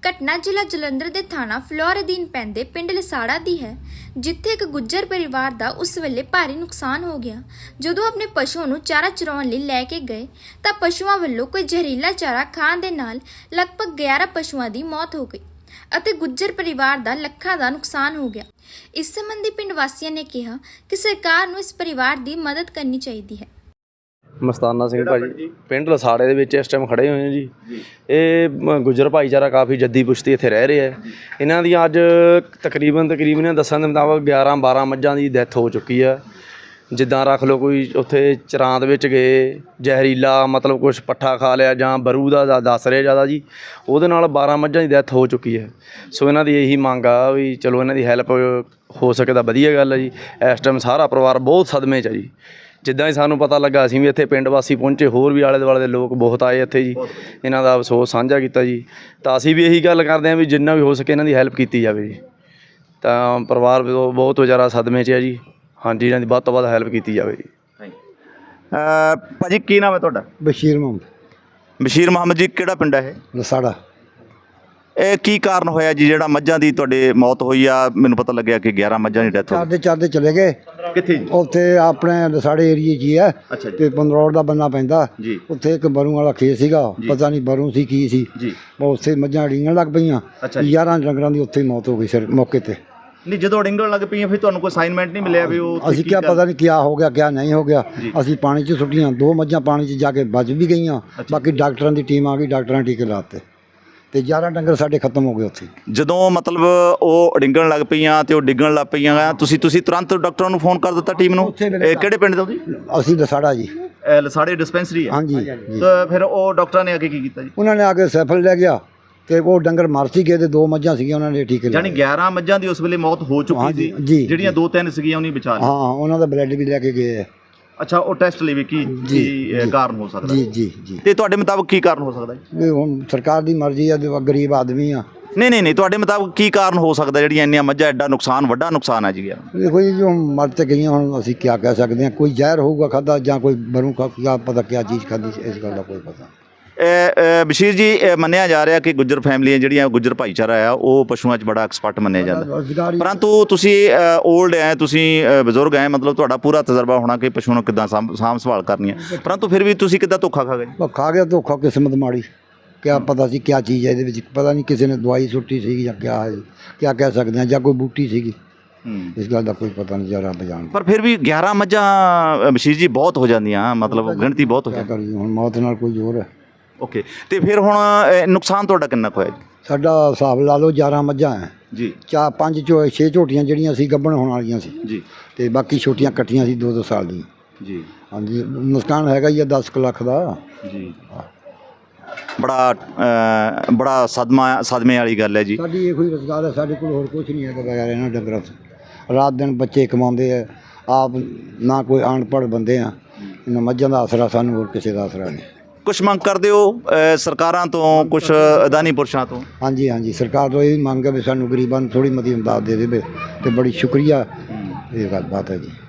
घटना जिला जलंधर के थाना फ्लोर अधीन पैंदे पिंड लसाड़ा दी है, जिथे एक गुज्जर परिवार का उस वेले भारी नुकसान हो गया। जदों अपने पशुओं नूं चारा चराउण लई लैके गए तां पशुओं वल्लों कोई जहरीला चारा खाण दे नाल लगभग 11 पशुओं की मौत हो गई ਅਤੇ गुज्जर परिवार का ਲੱਖਾਂ का नुकसान हो गया। इस संबंधी पिंड वासियों ने कहा कि सरकार ਨੂੰ इस परिवार की मदद करनी चाहिए है। ਮਸਤਾਨਾ ਸਿੰਘ ਭਾਜੀ ਪਿੰਡ ਲਸਾੜੇ ਦੇ ਵਿੱਚ ਇਸ ਟਾਈਮ ਖੜੇ ਹੋਏ ਹਾਂ ਜੀ। ਇਹ ਗੁੱਜਰ ਭਾਈਚਾਰਾ ਕਾਫੀ ਜੱਦੀ ਪੁਸ਼ਤੀ ਇੱਥੇ ਰਹਿ ਰਿਹਾ ਹੈ। ਇਹਨਾਂ ਦੀਆਂ ਅੱਜ ਤਕਰੀਬਨ ਇਹਨਾਂ ਦੱਸਣ ਦੇ ਮੁਤਾਬਕ 11-12 ਮੱਝਾਂ ਦੀ ਡੈਥ ਹੋ ਚੁੱਕੀ ਹੈ। ਜਿੱਦਾਂ ਰੱਖ ਲਓ ਕੋਈ ਉੱਥੇ ਚਰਾਂਦ ਵਿੱਚ ਗਏ ਜ਼ਹਿਰੀਲਾ ਮਤਲਬ ਕੁਛ ਪੱਠਾ ਖਾ ਲਿਆ ਜਾਂ ਬਰੂ ਦਾ ਦੱਸ ਰਿਹਾ ਜ਼ਿਆਦਾ ਜੀ, ਉਹਦੇ ਨਾਲ 12 ਮੱਝਾਂ ਦੀ ਡੈਥ ਹੋ ਚੁੱਕੀ ਹੈ। ਸੋ ਇਹਨਾਂ ਦੀ ਇਹੀ ਮੰਗ ਆ ਵੀ ਚਲੋ ਇਹਨਾਂ ਦੀ ਹੈਲਪ ਹੋ ਸਕੇ ਤਾਂ ਵਧੀਆ ਗੱਲ ਹੈ ਜੀ। ਇਸ ਟਾਈਮ ਸਾਰਾ ਪਰਿਵਾਰ ਬਹੁਤ ਸਦਮੇ 'ਚ ਹੈ ਜੀ। ਜਿੱਦਾਂ ਹੀ ਸਾਨੂੰ ਪਤਾ ਲੱਗਾ ਅਸੀਂ ਵੀ ਇੱਥੇ ਪਿੰਡ ਵਾਸੀ ਪਹੁੰਚੇ, ਹੋਰ ਵੀ ਆਲੇ ਦੁਆਲੇ ਦੇ ਲੋਕ ਬਹੁਤ ਆਏ ਇੱਥੇ ਜੀ, ਇਹਨਾਂ ਦਾ ਅਫਸੋਸ ਸਾਂਝਾ ਕੀਤਾ ਜੀ। ਤਾਂ ਅਸੀਂ ਵੀ ਇਹੀ ਗੱਲ ਕਰਦੇ ਹਾਂ ਵੀ ਜਿੰਨਾ ਵੀ ਹੋ ਸਕੇ ਇਹਨਾਂ ਦੀ ਹੈਲਪ ਕੀਤੀ ਜਾਵੇ ਜੀ। ਤਾਂ ਪਰਿਵਾਰ ਬਹੁਤ ਵਿਚਾਰਾ ਸਦਮੇ 'ਚ ਹੈ ਜੀ। ਹਾਂਜੀ, ਇਹਨਾਂ ਦੀ ਵੱਧ ਤੋਂ ਵੱਧ ਹੈਲਪ ਕੀਤੀ ਜਾਵੇ ਜੀ। ਭਾਜੀ ਕੀ ਨਾਮ ਹੈ ਤੁਹਾਡਾ? ਬਸ਼ੀਰ ਮੁਹੰਮਦ। ਬਸ਼ੀਰ ਮੁਹੰਮਦ ਜੀ, ਕਿਹੜਾ ਪਿੰਡ ਹੈ ਇਹ? ਲਸਾੜਾ। ਇਹ ਕੀ ਕਾਰਨ ਹੋਇਆ ਜੀ ਜਿਹੜਾ ਮੱਝਾਂ ਦੀ ਤੁਹਾਡੇ ਮੌਤ ਹੋਈ ਆ? ਮੈਨੂੰ ਪਤਾ ਲੱਗਿਆ ਕਿ 11 ਮੱਝਾਂ ਦੀ ਡੈਥ ਹੋ ਗਈ। ਚਾਰਦੇ ਚਲੇ ਗਏ ਕਿੱਥੇ ਜੀ? ਉੱਥੇ ਆਪਣੇ ਲਸਾੜੇ ਏਰੀਏ 'ਚ ਹੀ ਹੈ ਅੱਛਾ ਜੀ। ਤੇ ਪੰਦਰੌੜ ਦਾ ਬੰਨਾ ਪੈਂਦਾ ਜੀ। ਉੱਥੇ ਇੱਕ ਬਰੂ ਵਾਲਾ ਖੇਤ ਸੀਗਾ, ਪਤਾ ਨਹੀਂ ਬਰੂ ਸੀ ਕੀ ਸੀ ਜੀ। ਉੱਥੇ ਮੱਝਾਂ ਡੀਂਗਣ ਲੱਗ ਪਈਆਂ। ਅੱਛਾ ਜੀ। 11 ਡੰਗਰਾਂ ਦੀ ਉੱਥੇ ਹੀ ਮੌਤ ਹੋ ਗਈ ਸਿਰ ਮੌਕੇ ਤੇ। ਨਹੀਂ, ਜਦੋਂ ਡਿੰਗਣ ਲੱਗ ਪਈਆਂ ਫਿਰ ਤੁਹਾਨੂੰ ਕੋਈ ਅਸਾਈਨਮੈਂਟ ਨਹੀਂ ਮਿਲਿਆ ਵੀ ਉਹ ਅਸੀਂ ਕਿਹਾ ਪਤਾ ਨਹੀਂ ਕਿਆ ਹੋ ਗਿਆ ਕਿਆ ਨਹੀਂ ਹੋ ਗਿਆ। ਅਸੀਂ ਪਾਣੀ 'ਚ ਸੁੱਟੀਆਂ, 2 ਮੱਝਾਂ ਪਾਣੀ 'ਚ ਜਾ ਕੇ ਬਚ ਵੀ ਗਈਆਂ। ਬਾਕੀ ਡਾਕਟਰਾਂ ਦੀ ਟੀਮ ਆ ਗਈ, ਡਾਕਟਰਾਂ ਨੇ ਟੀਕੇ ਲਾਤੇ ਤੇ 11 ਡੰਗਰ ਸਾਡੇ ਖਤਮ ਹੋ ਗਏ ਉੱਥੇ। ਜਦੋਂ ਮਤਲਬ ਉਹ ਡਿੰਗਣ ਲੱਗ ਪਈਆਂ ਤੇ ਉਹ ਡਿੱਗਣ ਲੱਗ ਪਈਆਂ ਤੁਸੀਂ ਤੁਰੰਤ ਡਾਕਟਰਾਂ ਨੂੰ ਫੋਨ ਕਰ ਦਿੱਤਾ ਟੀਮ ਨੂੰ? ਕਿਹੜੇ ਪਿੰਡ ਤੋਂ ਜੀ? ਅਸੀਂ ਲਸਾੜਾ ਜੀ। ਲਸਾੜੇ ਡਿਸਪੈਂਸਰੀ ਹੈ? ਹਾਂਜੀ। ਤਾਂ ਫਿਰ ਉਹ ਡਾਕਟਰਾਂ ਨੇ ਅੱਗੇ ਕੀ ਕੀਤਾ ਜੀ? ਉਹਨਾਂ ਨੇ ਆ ਕੇ ਸੈਫਲ ਲੈ ਗਿਆ ਤੇ ਉਹ ਡੰਗਰ ਮਰ ਸੀ ਗਏ ਤੇ 2 ਮੱਝਾਂ ਸੀਗੀਆਂ, ਉਹਨਾਂ ਨੇ ਟੀਕੇ ਯਾਨੀ 11 ਮੱਝਾਂ ਦੀ ਉਸ ਵੇਲੇ ਮੌਤ ਹੋ ਚੁੱਕੀ ਸੀ। ਜਿਹੜੀਆਂ 2-3 ਸੀਗੀਆਂ ਉਹਨੇ ਬਚਾ ਲਿਆ। ਹਾਂ, ਉਹਨਾਂ ਦਾ ਬਲੱਡ ਵੀ ਲੈ ਕੇ ਗਏ। ਅੱਛਾ, ਉਹ ਟੈਸਟ ਲਈ ਵੀ ਕੀ ਕਾਰਨ ਹੋ ਸਕਦਾ? ਜੀ ਜੀ ਜੀ। ਤੇ ਤੁਹਾਡੇ ਮੁਤਾਬਕ ਕੀ ਕਾਰਨ ਹੋ ਸਕਦਾ ਜੀ? ਵੀ ਹੁਣ ਸਰਕਾਰ ਦੀ ਮਰਜ਼ੀ ਆ, ਗਰੀਬ ਆਦਮੀ ਆ। ਨਹੀਂ, ਤੁਹਾਡੇ ਮੁਤਾਬਕ ਕੀ ਕਾਰਨ ਹੋ ਸਕਦਾ ਜਿਹੜੀਆਂ ਇੰਨੀਆਂ ਮੱਝਾਂ ਐਡਾ ਨੁਕਸਾਨ, ਵੱਡਾ ਨੁਕਸਾਨ ਹੈ ਜੀ? ਦੇਖੋ ਜੀ, ਜੋ ਮਰ ਤੇ ਗਈਆਂ ਹੁਣ ਅਸੀਂ ਕੀ ਕਹਿ ਸਕਦੇ ਹਾਂ। ਕੋਈ ਜ਼ਹਿਰ ਹੋਊਗਾ ਖਾਧਾ ਜਾਂ ਕੋਈ ਬਰੂ ਕਿਆ ਪਤਾ ਕਿਆ ਚੀਜ਼ ਖਾਧੀ, ਇਸ ਗੱਲ ਦਾ ਕੋਈ ਪਤਾ। ਬਸ਼ੀਰ ਜੀ, ਮੰਨਿਆ ਜਾ ਰਿਹਾ ਕਿ ਗੁੱਜਰ ਫੈਮਲੀਆਂ ਜਿਹੜੀਆਂ ਗੁੱਜਰ ਭਾਈਚਾਰਾ ਆ ਉਹ ਪਸ਼ੂਆਂ 'ਚ ਬੜਾ ਐਕਸਪਰਟ ਮੰਨਿਆ ਜਾਂਦਾ, ਪਰੰਤੂ ਤੁਸੀਂ ਓਲਡ ਹੈ, ਤੁਸੀਂ ਬਜ਼ੁਰਗ ਹੈ, ਮਤਲਬ ਤੁਹਾਡਾ ਪੂਰਾ ਤਜਰਬਾ ਹੋਣਾ ਕਿ ਪਸ਼ੂ ਨੂੰ ਕਿੱਦਾਂ ਸਾਂਭ ਸੰਭਾਲ ਕਰਨੀ ਹੈ, ਪਰੰਤੂ ਫਿਰ ਵੀ ਤੁਸੀਂ ਕਿੱਦਾਂ ਧੋਖਾ ਖਾ ਗਏ? ਖਾ ਗਿਆ ਧੋਖਾ, ਕਿਸਮਤ ਮਾੜੀ। ਕਿਆ ਪਤਾ ਸੀ ਕਿਆ ਚੀਜ਼ ਹੈ ਇਹਦੇ ਵਿੱਚ, ਪਤਾ ਨਹੀਂ ਕਿਸੇ ਨੇ ਦਵਾਈ ਸੁੱਟੀ ਸੀਗੀ ਜਾਂ ਕਿਆ ਹੈ, ਕਿਆ ਕਹਿ ਸਕਦੇ ਹਾਂ, ਜਾਂ ਕੋਈ ਬੂਟੀ ਸੀਗੀ, ਇਸ ਗੱਲ ਦਾ ਕੋਈ ਪਤਾ ਨਹੀਂ, ਰੱਬ ਜਾਣਦਾ। ਪਰ ਫਿਰ ਵੀ 11 ਮੱਝਾਂ ਬਸ਼ੀਰ ਜੀ ਬਹੁਤ ਹੋ ਜਾਂਦੀਆਂ, ਮਤਲਬ ਗਿਣਤੀ ਬਹੁਤ ਹੋ ਜਾਂਦੀ। ਹੁਣ ਮੌਤ ਨਾਲ ਕੋਈ ਜ਼ੋਰ ਹੈ। ਓਕੇ, ਤੇ ਫਿਰ ਹੁਣ ਨੁਕਸਾਨ ਤੁਹਾਡਾ ਕਿੰਨਾ ਕੁ ਹੋਇਆ ਜੀ? ਸਾਡਾ ਹਿਸਾਬ ਲਾ ਲਓ 11 ਮੱਝਾਂ ਹੈ ਜੀ। 6 ਝੋਟੀਆਂ ਜਿਹੜੀਆਂ ਸੀ ਗੱਭਣ ਹੋਣ ਵਾਲੀਆਂ ਸੀ ਜੀ, ਤੇ ਬਾਕੀ ਛੋਟੀਆਂ ਕੱਟੀਆਂ ਸੀ 2-2 ਸਾਲ ਦੀਆਂ ਜੀ। ਹਾਂਜੀ, ਨੁਕਸਾਨ ਹੈਗਾ ਹੀ ਆ 10 ਕੁ ਲੱਖ ਦਾ ਜੀ। ਬੜਾ ਸਦਮੇ ਵਾਲੀ ਗੱਲ ਹੈ ਜੀ। ਸਾਡੀ ਇਹੋ ਹੀ ਰੁਜ਼ਗਾਰ ਹੈ, ਸਾਡੇ ਕੋਲ ਹੋਰ ਕੁਝ ਨਹੀਂ ਹੈਗਾ ਬਗੈਰ ਇਹਨਾਂ ਡੰਗਰਾਂ ਤੋਂ। ਰਾਤ ਦਿਨ ਬੱਚੇ ਕਮਾਉਂਦੇ ਆ, ਆਪ ਨਾ ਕੋਈ ਅਨਪੜ੍ਹ ਬੰਦੇ ਆ। ਇਹਨਾਂ ਮੱਝਾਂ ਦਾ ਆਸਰਾ ਸਾਨੂੰ, ਹੋਰ ਕਿਸੇ ਦਾ ਆਸਰਾ ਨਹੀਂ। ਕੁਛ ਮੰਗ ਕਰਦੇ ਹੋ ਸਰਕਾਰਾਂ ਤੋਂ, ਕੁਛ ਅਦਾਨੀ ਪੁਰਸ਼ਾਂ ਤੋਂ? ਹਾਂਜੀ ਹਾਂਜੀ, ਸਰਕਾਰ ਤੋਂ ਇਹ ਮੰਗ ਹੈ ਵੀ ਸਾਨੂੰ ਗਰੀਬਾਂ ਨੂੰ ਥੋੜ੍ਹੀ ਮਤੀ ਇਮਦਾਦ ਦੇ ਦੇਵੇ ਤੇ ਬੜੀ ਸ਼ੁਕਰੀਆ, ਇਹ ਗੱਲ ਬਾਤ ਹੈ ਜੀ।